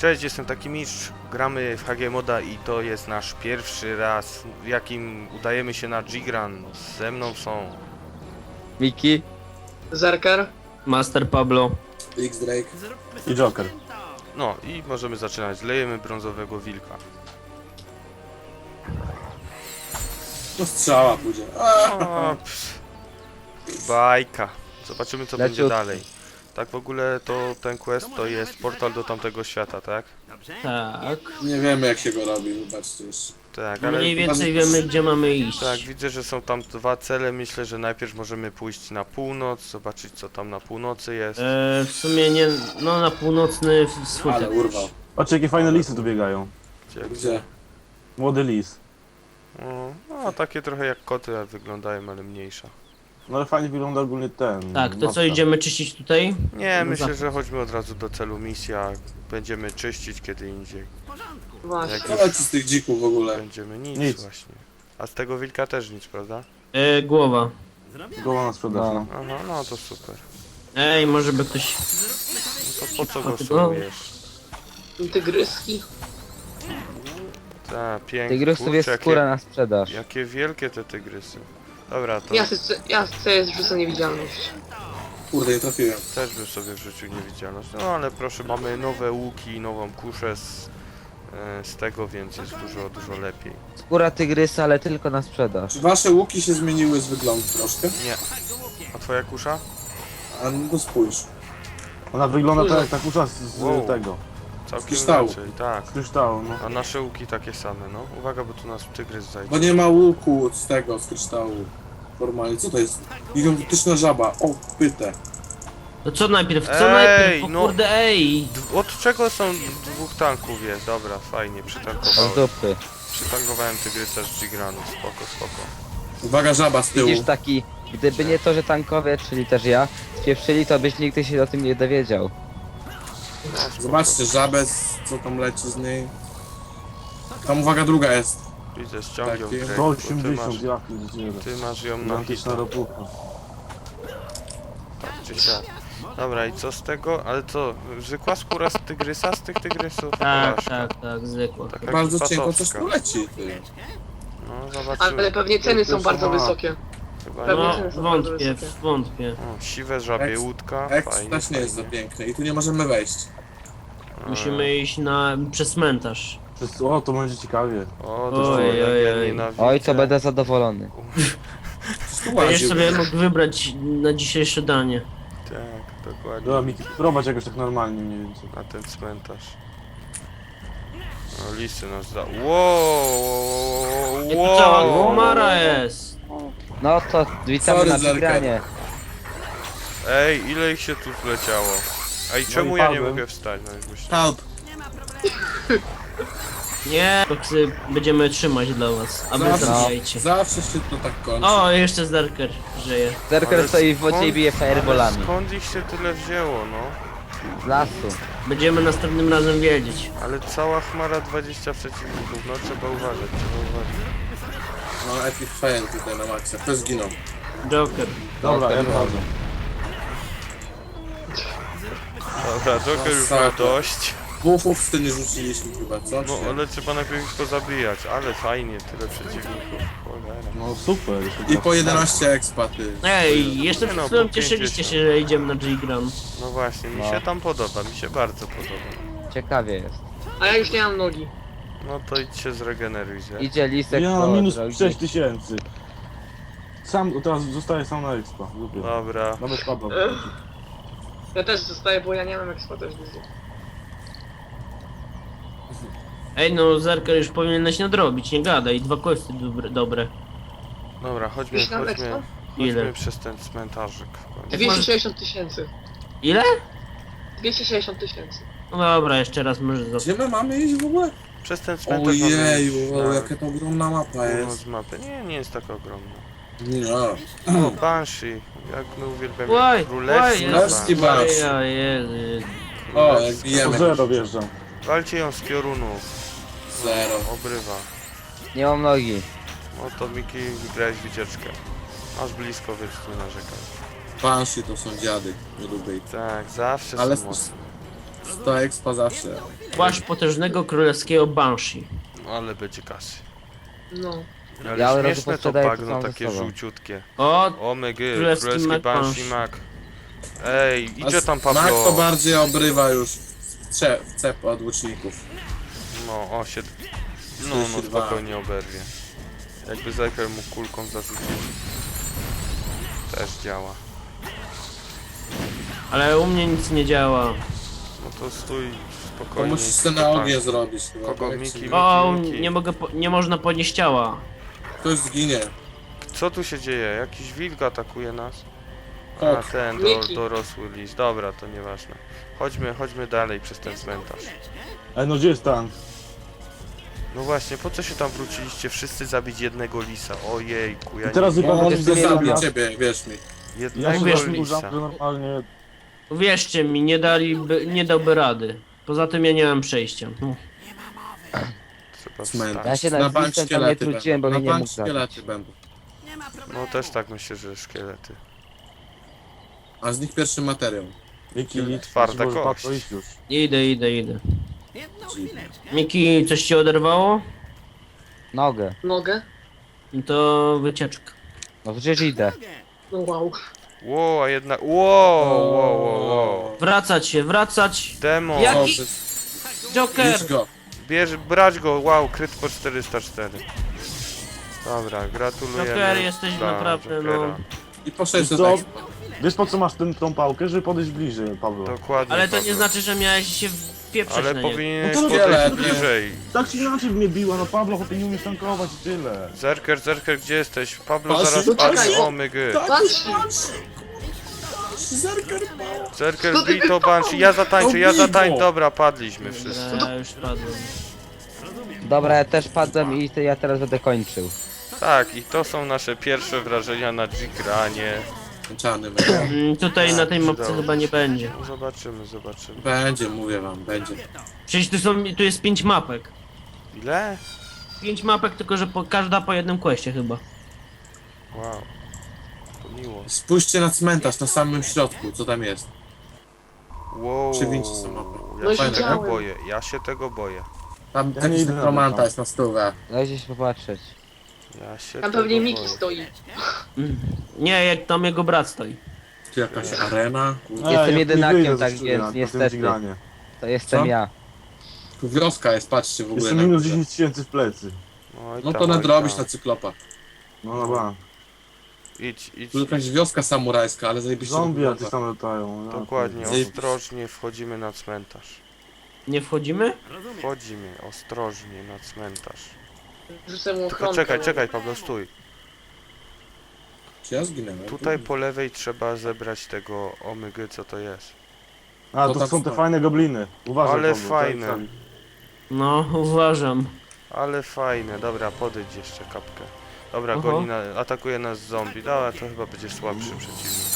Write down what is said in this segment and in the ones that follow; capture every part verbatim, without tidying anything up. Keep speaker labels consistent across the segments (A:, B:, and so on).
A: Cześć, jestem taki mistrz, gramy w H G Moda i to jest nasz pierwszy raz, w jakim udajemy się na G-Gran. Ze mną są...
B: Miki,
C: Zerker.
D: Master Pablo.
E: X-Drake.
F: I Joker.
A: No i możemy zaczynać. Lejemy brązowego wilka.
E: No strzała pójdzie.
A: O, pff. Bajka. Zobaczymy co będzie
B: Leciutki.
A: dalej. Tak w ogóle to ten quest to jest portal do tamtego świata, tak?
D: Tak.
E: Nie wiemy jak się go robi, wybaczcie jeszcze.
A: Tak, ale...
D: Mniej więcej wiemy, gdzie mamy iść.
A: Tak, widzę, że są tam dwa cele. Myślę, że najpierw możemy pójść na północ, zobaczyć co tam na północy jest.
D: E, w sumie nie, no na północny wschód.
E: Ale urwał.
F: Patrzcie jakie fajne lisy tu biegają.
A: Gdzie,
E: Gdzie?
F: Młody lis.
A: O, no, takie trochę jak koty a wyglądają, ale mniejsza.
F: No ale fajnie wygląda ogólnie ten.
D: Tak, to co
F: maska.
D: idziemy czyścić tutaj?
A: Nie,
D: No
A: myślę,
D: za-
A: że chodźmy od razu do celu misja. Będziemy czyścić kiedy indziej.
C: Właśnie.
A: Jak
E: Co leci z tych dzików w ogóle?
A: będziemy nic,
F: Nic.
A: właśnie. A z tego wilka też nic, prawda?
D: E, głowa.
F: Głowa na sprzedaż.
B: No.
F: No.
A: Aha, no to super.
D: Ej, może by ktoś...
A: No to po co go
D: A ty-
A: solujesz?
C: Tygryski.
A: Ta, pięknie.
B: tygrysów jest
A: Kurczę,
B: skóra
A: jakie,
B: na sprzedaż.
A: jakie wielkie te tygrysy. Dobra, to
C: Ja chcę, ja chcę zrzucę niewidzialność.
E: Kurde, nie trafiłem.
A: też bym sobie wrzucił niewidzialność. No ale proszę, mamy nowe łuki, nową kuszę z, e, z tego, więc jest dużo, dużo lepiej.
B: Skóra tygrysa, ale tylko na sprzedaż.
E: Czy wasze łuki się zmieniły z wyglądu troszkę?
A: Nie. A twoja kusza?
E: A no to spójrz.
F: Ona wygląda tak jak ta kusza z, z
A: Wow.
F: tego.
A: Całkiem
E: kryształu.
A: inaczej, tak.
F: Z kryształu, no.
A: A nasze łuki takie same, no. Uwaga, bo tu nas tygrys zajdzie.
E: Bo nie ma łuku z tego, z kryształu. Normalnie, co to jest? Gigantyczna żaba. O, pytę.
D: No co najpierw, co
A: Ej,
D: najpierw? O
A: no.
D: kurde, ej!
A: D- Od czego są dwóch tanków jest? Dobra, fajnie,
B: Od
A: przytankowałem.
B: dupy.
A: Przytankowałem tygrysa z G-Granu, spoko, spoko.
E: Uwaga, żaba z tyłu.
B: Widzisz taki, gdyby nie to, że tankowie, czyli też ja, spieprzyli, to byś nigdy się o tym nie dowiedział.
A: No, spoko.
E: Zobaczcie, żabę, z- co tam leci z niej. Tam uwaga, druga jest.
A: Widzę, ściągiem
E: Takie-
A: grę,
F: sto
A: bo ty masz,
F: osiemdziesiąt, ja pierdzielę.
A: ty masz ją na
F: Gigantyczna
A: hita,
F: ropucha.
A: tak czy siak. Dobra, i co z tego? Ale co, zwykła skóra z tygrysa, z tych tygrysów?
D: Tak,
A: Porażka.
D: tak, tak, zwykło.
A: Taka
E: Bardzo cienko
A: kipasowska.
E: coś tu leci, ty.
A: No, zobaczymy.
C: Ale pewnie ceny są bardzo
F: Sama.
C: wysokie.
A: Chyba
C: pewnie
A: nie.
D: No,
C: ceny są bardzo
D: wątpię,
C: wysokie.
D: wątpię.
A: O, siwe żabie
E: Eks-
A: łódka,
E: Eks
A: fajnie,
E: też nie jest za
A: fajnie.
E: piękny i tu nie możemy wejść.
D: Musimy iść na... przez cmentarz.
F: Przez- O, to będzie ciekawie.
A: O, to
D: Oj,
A: jest
D: oj,
A: ja
D: oj.
A: nienawidzę.
B: Oj, to będę zadowolony.
E: Wszystko
D: Będziesz
E: łaził.
D: sobie mógł wybrać na dzisiejsze danie.
A: Tak, dokładnie.
F: Dobra, Miki, prowadź jakoś tak normalnie mniej więcej.
A: Na ten cmentarz. No, lisy nas za... Wow,
D: Jak tu cała
A: wow.
D: komara jest!
B: No to witamy
E: Sorry,
B: na
E: Zerka.
B: wygranie.
A: Ej, ile ich się tu wleciało? Ej,
F: No
A: czemu
F: i
A: ja nie
F: padłem.
A: mogę wstać? No, jakbyś...
E: Help!
D: Nie, koksy będziemy trzymać dla was, a wy
E: Zawsze,
D: zabijajcie.
E: zawsze się to tak kończy.
D: O, jeszcze Zerker żyje.
B: Zerker
A: Ale
B: stoi w wodzie i
A: skąd-
B: bije
A: Ale
B: fireballami.
A: skąd ich się tyle wzięło, no?
B: Z lasu.
D: Będziemy następnym razem wiedzieć.
A: Ale cała chmara dwadzieścia przeciwników, no trzeba uważać, trzeba uważać.
E: No epic fail tutaj na maksa. Kto zginął?
D: Joker.
F: Dobra,
B: to
F: ja
B: było.
F: wchodzę.
A: Dobra, Joker już ma
E: Masakra.
A: dość.
E: Główów w nie rzuciliśmy chyba, co?
A: No
E: Czy nie?
A: ale trzeba najpierw ich pozabijać, ale fajnie, tyle przeciwników. Cholera.
F: No super. jeszcze
E: I
F: tak.
E: po jedenaście expaty.
D: Ej, jeszcze
A: Nie
D: przed
A: no,
D: chwilą
A: po
D: cieszyliście
A: pięćdziesiąt.
D: się, że idziemy na G-Gram.
A: No właśnie, mi
B: No.
A: się tam podoba, mi się bardzo podoba.
B: Ciekawie jest.
C: A ja już nie mam nogi.
A: No to idź się zregeneruj, że?
B: Idzie lisek
F: Ja
B: po
F: mam minus
B: drogi.
F: sześć tysięcy. Sam, teraz zostaję sam na expa. Lubię.
A: Dobra.
F: Nawet Pablo.
C: Ja też zostaję, bo ja nie mam eksploatacji.
D: Ej, no Zerker już powinieneś nadrobić, nie gadaj, dwa questy dobre. dobre.
A: Dobra, chodźmy,
C: Już mam
A: chodźmy,
C: expo?
D: Ile?
A: chodźmy przez ten cmentarzyk. w końcu.
C: dwieście sześćdziesiąt tysięcy.
D: Ile?
C: dwieście sześćdziesiąt tysięcy.
D: No dobra, jeszcze raz może za...
E: Gdzie my mamy iść w ogóle?
A: Przez ten cmentarz mamy
E: Ojeju,
A: iść
E: o,
A: na
E: jaka to ogromna mapa
A: północ
E: jest.
A: mapy. Nie, nie jest taka ogromna.
E: No.
A: O, Banshee, jak my uwielbiamy.
D: Oj,
A: Królewski
D: oj,
E: Królewski
A: Banshee.
E: Banshee.
D: Ja, Jezu.
E: O, jak
F: Po
E: bijemy.
F: zero wjeżdżam.
A: Walcie ją z piorunu.
E: Zero.
A: Obrywa.
B: Nie mam nogi.
A: No to Miki, wygrałeś wycieczkę. Masz blisko, więc nie narzekaj.
E: Banshee to są dziady. Nie lubię ich.
A: Tak, zawsze
E: Ale
A: są mocne.
E: sto expa zawsze.
D: Płaszcz potężnego królewskiego Banshee.
A: Ale będzie kasy.
C: No.
A: Ale
B: Ja od razu
A: śmieszne to
B: posprzedaję to
A: bagno,
B: samo ze
A: takie
B: sobą.
A: żółciutkie.
D: O,
A: O my gy,
D: Królewski
A: królewski
D: Mac
A: Banshee
D: Banshee.
A: Mac. Ej, idzie tam
E: Mak to
A: Pablo.
E: bardziej obrywa już w cze- w cep od łuczników.
A: No, o się... No, no
E: czterdzieści dwa.
A: spokojnie oberwie. Jakby Zerker mu kulką zarzucić. Też działa.
D: ale u mnie nic nie działa.
A: No to stój
E: To
A: spokojnie.
E: musisz sobie na
A: spokojnie.
E: ogień zrobić chyba.
A: Kogo?
E: tak?
A: Miki?
D: O,
A: Miki.
D: nie mogę, po, nie można podnieść ciała.
E: Ktoś zginie.
A: Co tu się dzieje? Jakiś wilk atakuje nas? A
E: Tak.
A: ten do,
C: Miki.
A: dorosły lis. Dobra, to nieważne. Chodźmy, chodźmy dalej przez ten cmentarz.
F: Ej, no gdzie jest tank?
A: No właśnie, po co się tam wróciliście? Wszyscy zabić jednego lisa. Ojejku, ja
F: I teraz
A: nie...
F: zupełnie
E: On
B: to
F: coś
B: jest
E: zabił
B: nie
F: zabił.
E: ciebie, wierz mi.
F: Ja
A: Jednego
F: się
D: wiesz,
F: tam
A: lisa.
F: użam, że normalnie...
D: Uwierzcie mi, nie daliby, nie dałby rady. Poza tym ja nie mam przejścia. No.
A: Trzeba
E: Cmentarz.
A: wstać.
B: Ja się
E: Na
B: na
E: bank
B: listem tam nie
E: szkielety
B: trudziłem,
E: będą.
B: bo mnie
E: Na
B: nie
E: bank
B: mógł zabić.
E: szkielety będą.
A: No też tak myślę, że szkielety.
E: A z nich pierwszy materiał.
F: Miki,
A: Twarda
F: może
A: kość.
F: to iść już.
D: Idę, idę, idę. Miki, coś ci oderwało?
B: Nogę.
C: Nogę?
D: No to wycieczka.
B: No przecież idę.
C: No wow.
A: Ło, a jednak... Ło, ło, ło, ło.
D: Wracać się, wracać!
A: Demo.
D: Jak-
E: O,
D: Jaki-
E: przez-
D: Joker!
E: Idź go.
A: Bierz, brać go, wow, kryt po czterysta cztery. Dobra, gratulujemy.
D: Joker, jesteś
A: dla
D: naprawdę, no.
A: Jokera.
E: I po sześćset
F: Co?
E: expa.
F: Wiesz po co masz ten, tą pałkę? Żeby podejść bliżej, Paweł.
A: Dokładnie.
D: Ale to nie
A: Paweł.
D: znaczy, że miałeś się wpieprzeć
A: Ale
D: na niego.
A: powinieneś
F: No to
A: podejść
E: wiele, nie.
A: bliżej.
F: Tak czy inaczej mnie biła, no Pablo, chłopie nie umiesz tankować i tyle.
A: Zerker, Zerker, gdzie jesteś? Pablo
E: Patrz,
A: zaraz
E: no
A: padnie,
C: czekaj.
A: o my gy.
C: Banshee!
E: Zerker mało.
A: Zerker,
C: No ty
A: bij to Banshee, ja zatańczę, ja
E: No bij
A: zatańczę.
E: go.
A: Dobra, padliśmy wszyscy.
D: Dobra, ja już padłem.
B: Dobra, ja też padłem i te- ja teraz będę kończył.
A: Tak, i to są nasze pierwsze wrażenia na G-Granie.
E: Męczany
D: Mm, tutaj na tej mapce
A: przydało
D: chyba nie będzie.
A: No zobaczymy, zobaczymy.
E: Będzie, mówię wam, będzie.
D: Przecież tu, są, tu jest pięć mapek.
A: Ile?
D: Pięć mapek, tylko że po, każda po jednym questie chyba.
A: Wow. To miło.
E: Spójrzcie na cmentarz na samym środku, co tam jest.
A: Wow.
E: Przywieźcie sobie mapę.
A: Ja
C: No
A: się tego
C: widziałem.
A: boję, ja się tego boję.
E: Tam
F: Ja nie
E: jakiś
F: idę na
E: romanta
F: to.
E: jest na stówę.
B: Dajcie się popatrzeć.
A: Ja się
C: Tam
A: tego
C: pewnie Miki
A: boję.
C: stoi.
D: Mm. Nie, jak tam jego brat stoi.
E: Tu jakaś arena. Kurde.
F: Ej,
B: Jestem
F: ja
B: jedynakiem,
F: nie wyjdę
B: tak
F: ze
B: więc
F: studia na tym
B: niestety.
F: G-granie.
B: To jestem
E: Co?
B: ja.
E: Tu wioska jest, patrzcie w ogóle
F: Jeszcze
E: na
F: minus
E: górze.
F: dziesięć tysięcy w plecy.
A: Oj
E: No
A: tam,
E: to
A: oj
E: nadrobisz
A: tam.
E: na cyklopa.
F: No dobra.
A: Idź, idź,
E: Tu jakaś
A: idź.
E: wioska samurajska, ale zajebiście
F: Zombie
E: wygląda.
F: jacyś tam latają. ja
A: Dokładnie,
F: pierdolę.
A: ostrożnie wchodzimy na cmentarz.
D: Nie wchodzimy?
A: Wchodzimy ostrożnie na cmentarz.
C: Rzucę mu
A: Tylko
C: ochronkę.
A: czekaj, czekaj Pablo, stój.
E: Czy ja zginęłem?
A: Tutaj po lewej trzeba zebrać tego omygy, co to jest.
F: A,
E: To
F: to
E: tam
F: są te
E: stoi.
F: fajne gobliny. Uważaj,
A: Ale
F: Paweł,
A: fajne.
F: tak, tak.
D: No, uważam.
A: Ale fajne, dobra, podejdź jeszcze kapkę. Dobra,
D: Oho.
A: goni na, atakuje nas zombie. Dobra, to chyba będzie słabszy przeciwnik.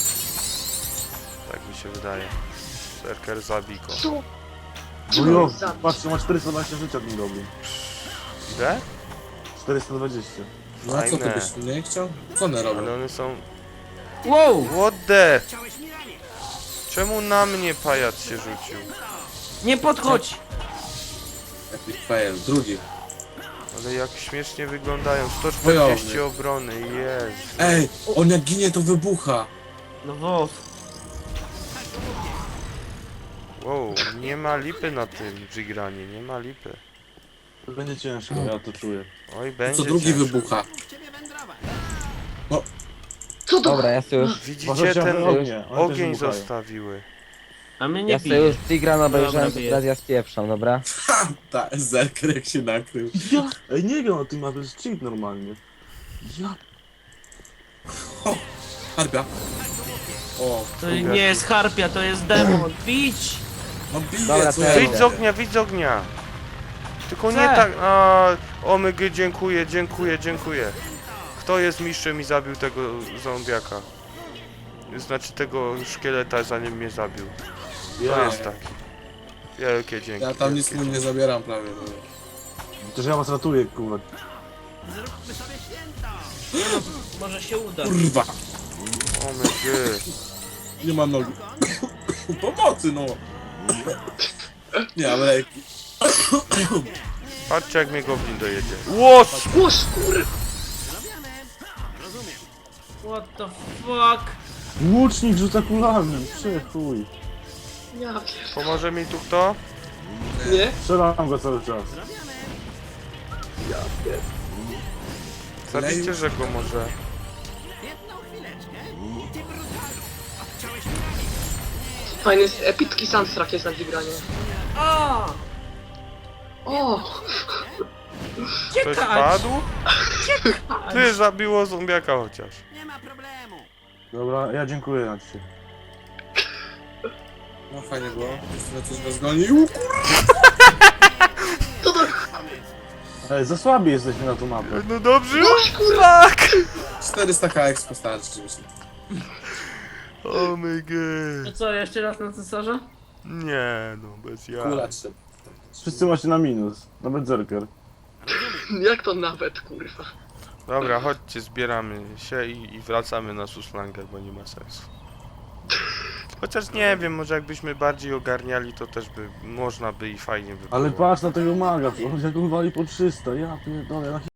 A: Tak mi się wydaje. Zerker, zabij go.
C: Co?
F: Wujo,
C: Zabić.
F: patrzcie, ma czterysta dwadzieścia życia ten goblin.
A: Ile?
F: czterysta dwadzieścia.
E: No a co ty
A: Fajne.
E: byś nie chciał? Co one robią?
A: Ale one są...
D: Wow!
A: What the? Czemu na mnie pajac się rzucił?
D: Nie podchodź!
E: Epic fail, drugi.
A: Ale jak śmiesznie wyglądają. sto czterdzieści obrony, jest.
E: Ej, on jak ginie to wybucha.
D: No wow.
A: Wow, nie ma lipy na tym G-Granie, nie ma lipy.
F: To będzie ciężko, ja to czuję.
A: Oj,
E: To
A: będzie
E: co drugi
A: ciężko.
E: wybucha.
C: Co to?
B: Dobra, ja sobie już,
A: Widzicie,
F: Uważajcie
A: ten
F: na ognie, one też
A: ogień
F: wybuchają.
A: zostawiły.
D: A my nie
B: ja sobie
D: pijemy.
B: już Tigran obejrzałem, to
D: bije.
B: teraz ja spieprzam, dobra?
E: Ha! Ta zerker jak się nakrył.
F: Ja, ej, nie wiem o tym, ma to jest cheat normalnie. Ja,
E: Harbia. O,
D: To nie jest harpia, to jest demon. Bić!
E: no bije,
B: Dobra,
E: co
B: to
E: ja
B: ja
A: Wyjdź z
E: robię?
A: ognia, wyjdź z ognia! Tylko nie
D: Chcę.
A: tak... A, omygy, dziękuję, dziękuję, dziękuję. Kto jest mistrzem i zabił tego zombiaka? Znaczy tego szkieleta, zanim mnie zabił. To
F: ja.
A: jest taki. Wielkie dzięki.
E: Ja tam nic
A: wielkie
E: mu nie zabieram prawie. No.
F: Przecież ja was ratuję, kurwa.
D: Może się uda.
E: Kurwa,
A: Omygy.
E: nie mam nogi. Pomocy no. Nie, ale
A: Patrzcie jak mnie goblin dojedzie. Łos!
C: O skur...
D: What the fuck?
F: Łucznik rzuca kulami, przychuj.
C: Ja pier...
A: Pomoże mi tu kto?
C: Nie?
F: Strzelam go cały czas.
A: Zabijcie, że go może.
C: Fajny jest epicki soundtrack jest na wygranie.
D: O!
C: O!
A: Ktoś padł? Ty, zabiło zombiaka chociaż.
F: Dobra, ja dziękuję na ciebie.
E: no fajnie było. Jeszcze coś nas gonił.
C: Co to?
F: Ej, za słabi jesteśmy na tą mapę.
A: No dobrze?
C: No kurwa!
A: Tak!
E: czterysta ka expo starczy, myślę.
A: Oh my
D: To
A: god.
D: co, jeszcze raz na cesarza?
A: Nie no, bez ja.
E: Kula trzy.
F: Wszyscy macie na minus. Nawet zerker.
C: Jak to nawet, kurwa?
A: Dobra, chodźcie, zbieramy się i, i wracamy na Suslanger, bo nie ma sensu. Chociaż nie wiem, może jakbyśmy bardziej ogarniali, to też by można by i fajnie by było.
F: Ale patrz na tego maga, on jak on wali po trzysta, ja pierdolę, na